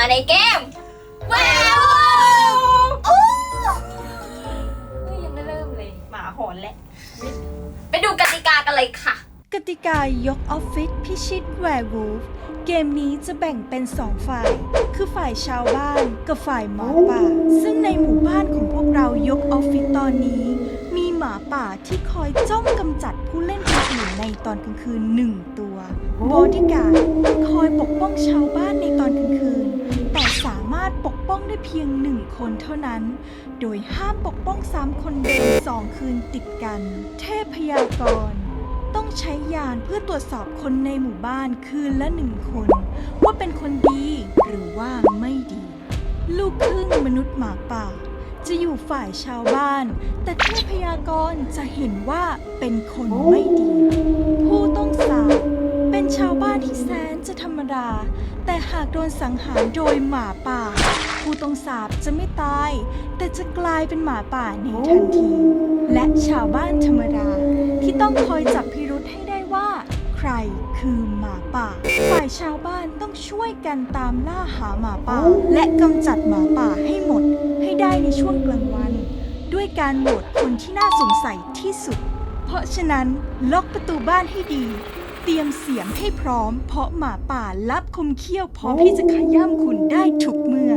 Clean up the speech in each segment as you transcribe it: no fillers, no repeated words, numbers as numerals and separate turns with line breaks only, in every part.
ในเกมแววยังไม่เริ่มเลยหมาหอนแหละไปดูกติกากันเลยค่ะ
กติกายกออฟฟิศพิชิตแวร์วูฟเกมนี้จะแบ่งเป็น2ฝ่าย คือฝ่ายชาวบ้านกับฝ่ายหมาป่า ซึ่งในหมู่บ้านของพวกเรายกออฟฟิศตอนนี้ มีหมาป่าที่คอยจ้องกำจัดผู้เล่นคนอื่นในตอนกลางคืน1 ตัวบอดี้การ์ดคอยปกป้องชาวบ้านในตอนกลางคืน แต่สามารถปกป้องได้เพียง1 คนเท่านั้น โดยห้ามปกป้อง3 คนเดิม2 คืนติดกัน เทพยากรต้องใช้ยานเพื่อตรวจสอบคนในหมู่บ้านคืนละ1 คนว่าเป็นคนดีหรือว่าไม่ดี ลูกครึ่งมนุษย์หมาป่าจะอยู่ฝ่ายชาวบ้านแต่เทพยากรจะเห็นว่าเป็นคนไม่ดี ผู้ต้องสาปเป็นชาวบ้านที่แสนจะธรรมดาแต่หากโดนสังหารโดยหมาป่าผู้ต้องสาปจะไม่ตายแต่จะกลายเป็นหมาป่าในทันทีและชาวบ้านธรรมดาที่ต้องคอยจับพิรุธให้ได้ว่าใครคือหมาป่าฝ่ายชาวบ้านต้องช่วยกันตามล่าหาหมาป่าและกำจัดหมาป่าให้หมดให้ได้ในช่วงกลางวันด้วยการโหวตคนที่น่าสงสัยที่สุดเพราะฉะนั้นล็อกประตูบ้านให้ดีเตรียมเสียงให้พร้อมเพราะหมาป่าลับคมเขี้ยวพร้อมที่จะขย้ำคุณได้ทุกเมื่อ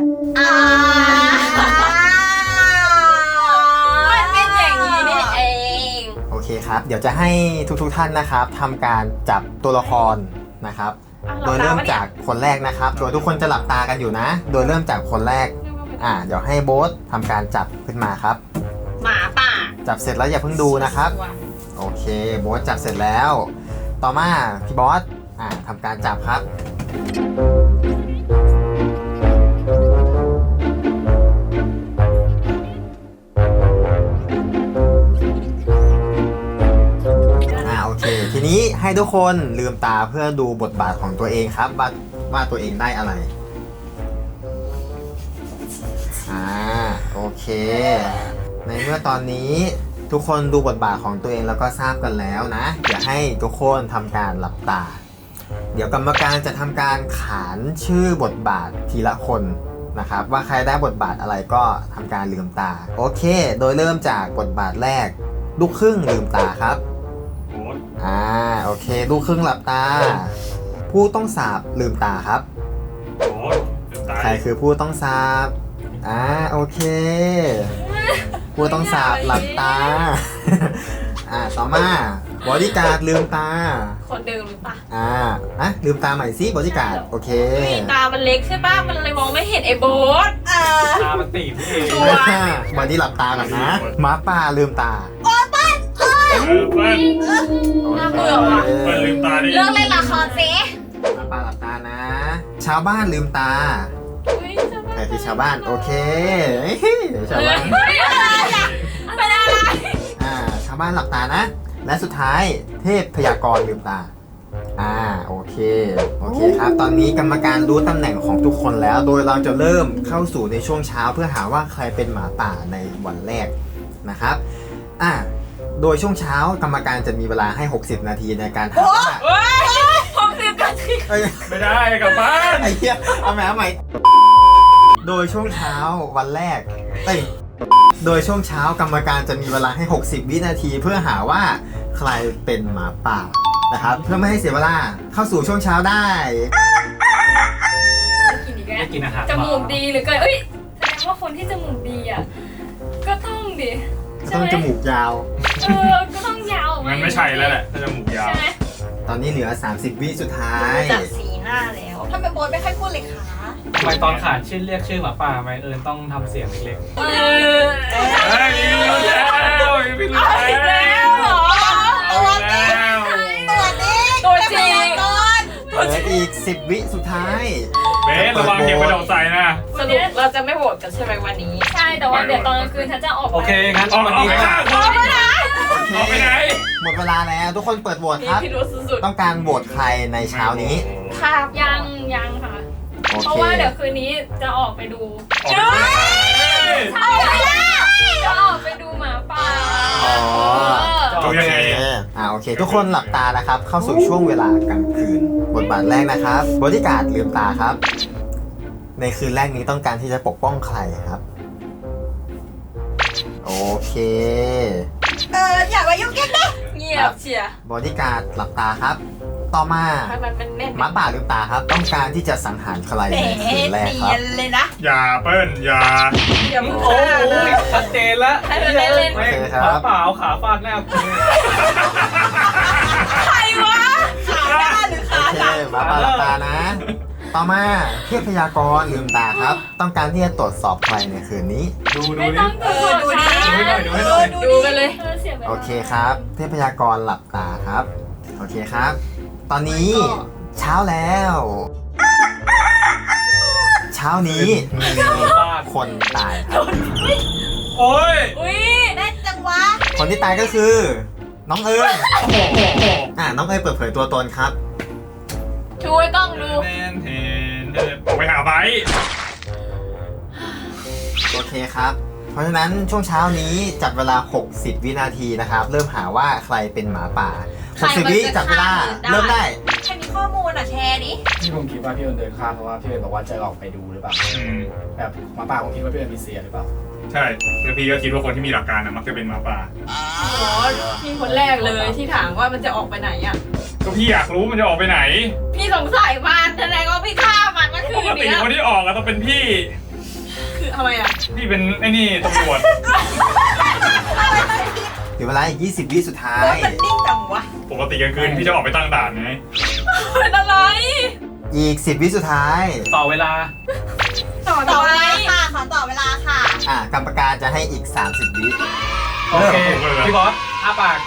มันเป็นอย่างนี้นี่เอง
โอเคครับ เดี๋ยวจะให้ทุกท่านนะครับทำการจับตัวละครนะครับ โดยเริ่มจากคนแรกนะครับ โดยทุกคนจะหลับตากันอยู่นะ โดยเริ่มจากคนแรกเดี๋ยวให้โบ๊ททำการจับขึ้นมาครับ
หมาป่า
จับเสร็จแล้วอย่าเพิ่งดูนะครับโอเคโบ๊ทจับเสร็จแล้ว ต่อมาพี่บอสทำการจับครับโอเคทีนี้ให้ทุกคนลืมตาเพื่อดูบทบาทของตัวเองครับว่าตัวเองได้อะไรโอเคในเมื่อตอนนี้ทุกคนดูบทบาทของตัวเองแล้วก็ทราบกันแล้วนะอย่าให้ทุกคนทำการหลับตาเดี๋ยวกรรมการจะทำการขานชื่อบทบาททีละคนนะครับว่าใครได้บทบาทอะไรก็ทำการลืมตาโอเคโดยเริ่มจากบทบาทแรกลูกครึ่งลืมตาครับโอเคลูกครึ่งหลับตาผู้ต้องสาปลืมตาครับใครคือผู้ต้องสาปโอเคผู้ต้องสาปหลับตาต่อมาบอดี้การ์ดลืมตา
คนเดิมหรือเปล่า
ลืมตาใหม่สิบอดี้การ์ดโอเค
ตามันเล็กใช่ป่ะมันเลยมองไม่เห็นไอ้โบ๊ท
ตามันตีบเอง
บอดี้หลับตาก่อนนะหมาป่าลืมตา
น่าเบื่อว่ะ
ลืมตาดิ
เลิกเล่นละครสิ
หมาป่าหลับตานะชาวบ้านลืมตาใครคือชาวบ้านโอเคชาวบ้าน
ไม่ได้
ชาวบ้านหลับตานะและสุดท้ายเทพพยากรลืมตาโอเคครับตอนนี้กรรมการรู้ตำแหน่งของทุกคนแล้วโดยเราจะเริ่มเข้าสู่ในช่วงเช้าเพื่อหาว่าใครเป็นหมาป่าในวันแรกนะครับโดยช่วงเช้ากรรมการจะมีเวลาให้60 นาทีในการหาว่า
60 นาที
ไม่ได้กลับบ้าน
ไอ้เหี้ยเอาใหม่โดยช่วงเช้าวันแรกโดยช่วงเช้ากรรมการจะมีเวลาให้60 วินาทีเพื่อหาว่าใครเป็นหมาป่านะครับเพื่อไม่ให้เสียเวลาเข้าสู่ช่วงเช้าได้
กินอาหาร
จมูกดีหรือเกินแสดงว่าคนที่จมูกดีก็ต้อง
จมูกยาว
ก็ต้องยาว
มันไม่ใช่แล้วแหละถ้าจมูกยาว
ตอนนี้เหลือ30 วิสุดท้าย
จากสีหน้าแล้วทำไมโบ๊ทไม่ค่อยพูดเลยคะ
ทำไมตอนขานชื่อเรียกชื่อหมาป่าไหมต้องทำเสียงเล็กๆไม่รู้แล้ว
เหรอตัวจริง
เหลืออีก10 วิสุดท้าย
เบสระวังเก็บไปดอกใส่นะ
สรุปเราจะไม่โหวตกันใช่ไหมวันนี้ใช่แต่ว่าเดี๋ยวตอนกลางคืนฉันจะออก
โอเคงั้นออกไปไหน
หมดเวลาแล้วทุกคนเปิดโหวตครับต้องการโหวตใครในเช้านี้
ค่ะยังค่ะเพราะว่าเดี๋ยวคืนนี้จะออกไปดูจะออกไปดูหมาป่า
โอเคทุกคนหลับตานะครับเข้าสู่ช่วงเวลากลางคืนบทบาทแรกนะครับบอดี้การ์ดลืมตาครับในคืนแรกนี้ต้องการที่จะปกป้องใครครับ โอเค
อย่ามายุ่งกันนะ
เงียบเชียร์
บอดี้การ์ดหลับตาครับ ต่อมา
ให้มันแน่น
หมาป่าลืมตาครับ ต้องการที่จะสังหารใคร
แหม
ในคืนแรก
เนี
ครั
ย
บ
นเลยนะ
อย่าเปิ้ลอย่า
อย่ามึง
โอ้
ฆ่า
โห
นะ
ชัดเจนแล้ว
ให้มันเล่นๆ
โอเคค
หมา
รับ
ป่าเอาขาฟาดหน้ากู
ใครวะ
ขาหน้าหรือ
โอ
ขา
เค
หลัง
หมาป่าหลับตานะ ต่อมาเทพยากรลืมตาครับ ต้องการที่จะตรวจสอบใครในคืนนี้
ดู
ไม่
ดิ
ต้องตรวจ
ดูดิ
ช้า
ดูให้หน่อยดูให้หน่อย
ดูกันเลย
โอเคครับ เทพยากรหลับตาครับ โอเคครับ ตอนนี้เช้าแล้ว เช้านี้มีคนตายครับ
โอ้ย
อุ้ย
ได้จังวะ
คนที่ตายก็คือ น้องเอิญ
โอ้โห
น้องเอิญเปิดเผยตัวตนครับ
ช่วยกล้องดู
เทนออกไปหาไบร์ท
โอเคครับ เพราะฉะนั้นช่วงเช้านี้จับเวลา 60 วินาทีนะครับ เริ่มหาว่าใครเป็นหมาป่า 60 วิจับเวลา เริ่มได้
ใครมีข้อมูลแชร์ดิ
ที่ผมคิดว่าพี่เอิญเดินข้ามเพราะว่าพี่เอิญบอกว่าจะออกไปดูหรือเปล่า
อืม
แบบหมาป่าผมคิดว่าพี่เอิญมีเสียหรือเปล่า
ใช่แล้วพี่ก็คิดว่าคนที่มีหลักการนะมักจะเป็นหมาป่า
อ๋อพี่คนแรกเลยที่ถามว่ามันจะออกไปไหนอ่ะ
ก็พี่อยากรู้มันจะออกไปไหน
พี่สงสัยมันแสดงว่าพี่ฆ่ามันเมื่อคื
ป
น
กติ
เนี้ย
คนที่ออกอะต้องเป็นพี่
คือทำไมอ่ะ
พี่เป็นไอ้นี่ตำรวจ
เหลือเวลาอีก 20 วิสุดท้าย
รถมันนิ่งจังวะ
ปกติกลางคืนพี่จะออกไปตั้งด่านไง
เป็นอะไร
อีก 10 วิสุดท้าย
ต่อเวลา
ต่อ
ต่อ
ไป
เวลาค่ะ ขอต่อเวลาค่ะ
กรรมการจะให้อีก 30 วิ
โอเค พี่บอสอ้าปาก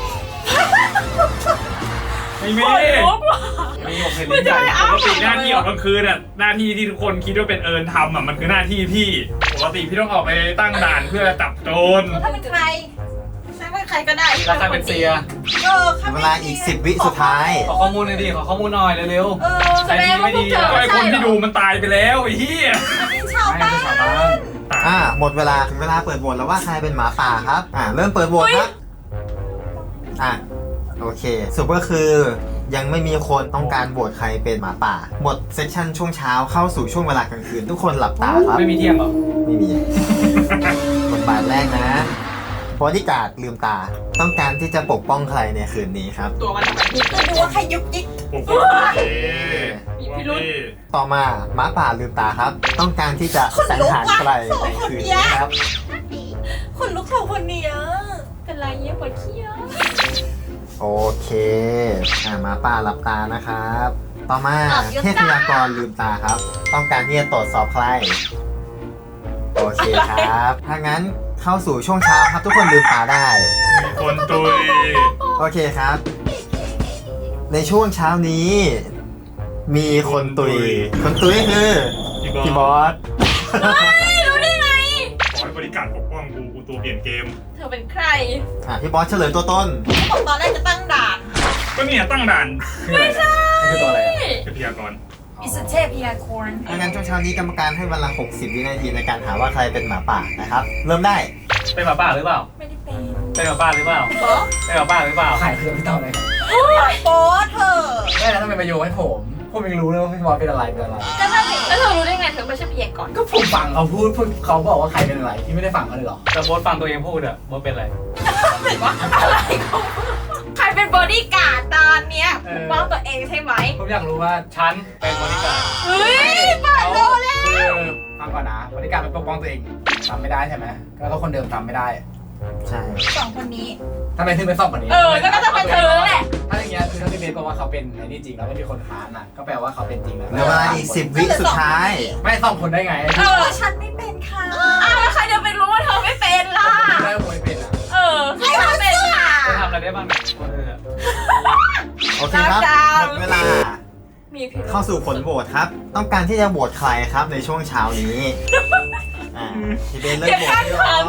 ไม่มี
โอ้ยลุกว่ะ
มีผมเห็น
ไม่
ลิ้น
ใช่
ใหญ่
อ้า
ปกติหน้าที่ออกกลางคืนน่ะหน้าที่ที่ทุกคนคิดว่าเป็นเอิญทำอ่ะมันคือหน้าที่พี่ปกติพี่ต้องออกไปตั้งด่านเพื่อจับโจร
ถ้าเป็นใครฉันเป็นใครก็ได้
ราคาเป็นเสีย
เหลือเวลาอีก 10 วิสุดท้าย
ขอข้อมูลหน่อยดิ ขอข้อมูลหน่อยเร็ว
แสดงว่าพวกเธอ
ก็ไอ
ไม่
ค
ใช่
น
หร
ที่
อ
ดูมันตายไปแล้วไอ้เหี้ย
เป็นชาว
ไม่
บ้า
เป็น
น
ชาวบ้าน
หมดเวลาถึงเวลาเปิดโหวตแล้วว่าใครเป็นหมาป่าครับ เริ่มเปิดโหวตครับ โอเคสรุปก็คือยังไม่มีคนต้องการโหวตใครเป็นหมาป่า หมดเซสชั่นช่วงเช้าเข้าสู่ช่วงเวลากลางคืน ทุกคนหลับตาครับ
ๆ ไม่มีเที่ยงเหรอ
ไม่มี บทบาทแรกนะบอดี้การ์ดลืมตา ต้องการที่จะปกป้องใครในคืนนี้ครับ
ตัวมันทำไมพี่
จะดูว่าใครยุกยิก
โอ้โห
มีพิรุธ
ต่อมาหมาป่าลืมตาครับ ต้องการที่จะสังหารใครในคืนนี้ครับ
คนลุกสองคนเนี้ย
เป็นไรเยี่ยปวดเขี้ยว
โอเคหมาป่าหลับตานะครับ ต่อมาเทพยากรลืมตาครับ ต้องการที่จะตรวจสอบใคร โอเคครับ ถ้างั้นเข้าสู่ช่วงเช้าครับ ทุกคนลืมตาได้
มีคนตุย
โอเคครับ ในช่วงเช้านี้ มีคนตุย คนตุยคือพี่บอส
รู้ได้ไง
ขอให้บริการปกป้องกูตัวเปลี่ยนเกม
เธอเป็นใคร
พี่บอสเฉลยตัวต้น
บอกตอนแรกจะตั้งด่าน
ก็เนี่ยตั้งด่าน
ไม่ใช่นี่คือตัวอะไรอะ
เทพยากร
อิสเทพยาคอน
ถ้างั้นช่วงเช้านี้กรรมการให้เวลา 60 วินาทีในการหาว่าใครเป็นหมาป่านะครับ เริ่มได้
เป็นหมาป่าหรือเปล่า
ไม่ได้เป็น
เป็นหมาป่าหรือเปล่า เป็นหมาป่าหรือเปล่า
ขายเครื่องพี่ต้อมเลย
โป๊เธอ
ไม่แล้วทำไมมาโยงให้ผมยังรู้เลยว่าพี่บอสเป็นอะไรเป็นอะไร
ก็นั่นสิแล้วเธอรู้ได้ไงเธอไม่ใช่พยากรณ์
ก็ผมฟังเขาพูดเขาบอกว่าใครเป็นอะไรที่ไม่ได้ฟังเขาเลยเหรอ
แต่โบสฟังตัวเองพูดอะโบสเป็นอะไร
อะไรของใครเป็นบอดี้การ์ดตอนเนี้ยปกป้องตัวเองใช่ไหม
ผมอยากรู้ว่า
ฉันเป็นบริการด
เฮ้ยเปิดโลแล้ว
คือฟังก่อนนะบริการเป็นปกป้องตัวเองทำไม่ได้ใช่ไหมแล้วก็คนเดิมทำไม่ได้
ใช่
สองคนนี้
ทำไมถึงไปซ่อมกว่านี้
ก็น่าจะเป็นเธอแหละ
ถ้าอย่างเงี้ยคือถ้าพี่เบสบอกว่าเขาเป็นไอ้นี่จริงแล้วไม่มีคนค้านอ่ะก็แปลว่าเขาเป็นจริงแล้ว
เหลือเวลาอีก 10 วิสุดท้าย
ไม่ซ่อมคนได้ไง
ฉันไม่เป็นค่ะ
แล้วใครจะไปรู้ว่าเธอไม่เป็นล่ะ
ได้คนเป็นอ่ะ
ใครจะเป็นค่ะ
จะทำอะไรได้บ้างเนี่ยคนอื่นอะ
โอเคครับ หมดเวลา
มีพิรุธ
เข้าสู่ผลโหวตครับ ต้องการที่จะโหวตใครครับในช่วงเช้านี้พี่เบนเลือกโหวตพี่ออม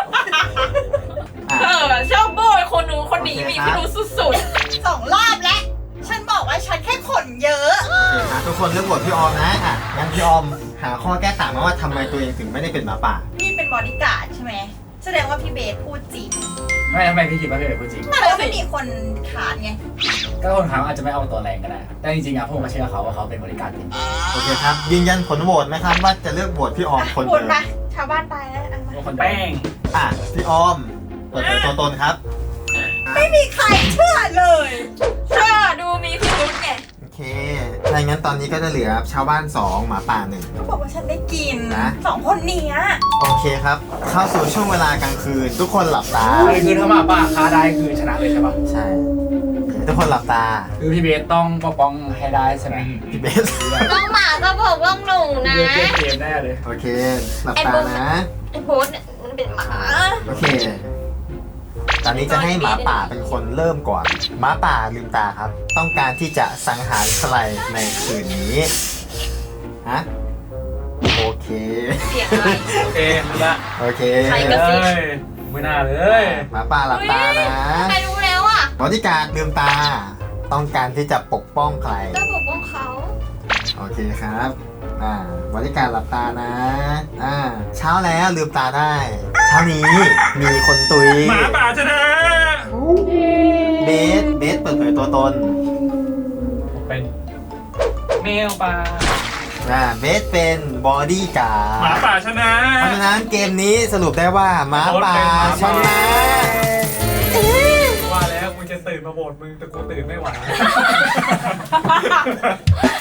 ชอบโบยคนนู้นคนนี้มีพิรุธสุด
สองรอบแล้ว ฉันบอกว่าฉันแค่ขนเยอะ
โอเคครับทุกคนเลือกโหวตพี่ออมนะงั้นพี่ออมหาข้อแก้ต่างมาว่าทำไมตัวเองถึงไม่ได้เป็นหมาป่า
พี่เป็นบอดี้การ์ดใช่ไหม แสดงว่าพี่เบสพูดจริง
ไม่ทำไมพี่คิดว่าพี่เป็นผู้จริง
เพราะว่าไม่มีคนขาดไง
ก็คนเขาอาจจะไม่เอาตัวแรงก็ได้ แต่จริงๆอะผมก็เชื่อเขาว่าเขาเป็นบริการจริง
โอเคครับ ยืนยันผลโหวตไหมครับว่าจะเลือกโหวตพี่ออมคน
พูด
เดิม
มา ชาวบ้านตายแล้วอันมา
ว่าคน
แป้ง
อ่ะพี่ออมเปิดเผยตัวตนครับ
ไม่มีใครเชื่อเลย
เชื่อดูมีพิรุธไง
โอเคถ้าอย่างนั้นตอนนี้ก็จะเหลือชาวบ้าน 2 หมาป่า
เขาบอกว่าฉันได้กิน
นะ
2 คนเนี้ย
1 โอเคครับ เข้าสู่ช่วงเวลากลางคืน ทุกคนหลับตา
คือถ้าหมาป่าฆ่าได้คือชนะเลยใช่ปะ
ใช่โอเคทุกคนหลับตา
คือพี่เบสต้องปกป้องให้ได้ใช่ไหม
พี่เบส
ต้องหมาก็บอกว่าหนูนะ
เลือกเกมแน่เลย
โอเค หลับ
ไอ้
ตา
บุ๊ค
นะ
ไอ้โพสเนี่ยมันเป็นหมา
โอเค ตอนนี้จะให้หมาป่าเป็นคนเริ่มก่อน หมาป่าลืมตาครับ ต้องการที่จะสังหารใครในคืนนี้ ฮะ โอเค
เสียงอะไร
โอเครู้ละ
โอเค
ใครกระซิบ
เอ้ยไม่น่าเลย
หมาป่าหลับตานะ
ใครรู้แล้วอ่ะ
บริการลืมตา ต้องการที่จะปกป้องใคร
ก็ปกป้องเขา
โอเคครับ บริการหลับตานะ เช้าแล้วลืมตาได้ เช้านี้มีคนตุย
หมาป่าชนะ
เบสเปิดเผยตัวตน
ผมเป็นแมวป่า
เบสเป็นบอดี้การ
หมา
์ด
ป่าชนะ
เพราะฉะนั้นเกมนี้สรุปได้ว่าหมาป่าชนะ
ว่าแล้วมึงจะตื่นมาโหวตมึงแต่กูตื่นไม่ไหว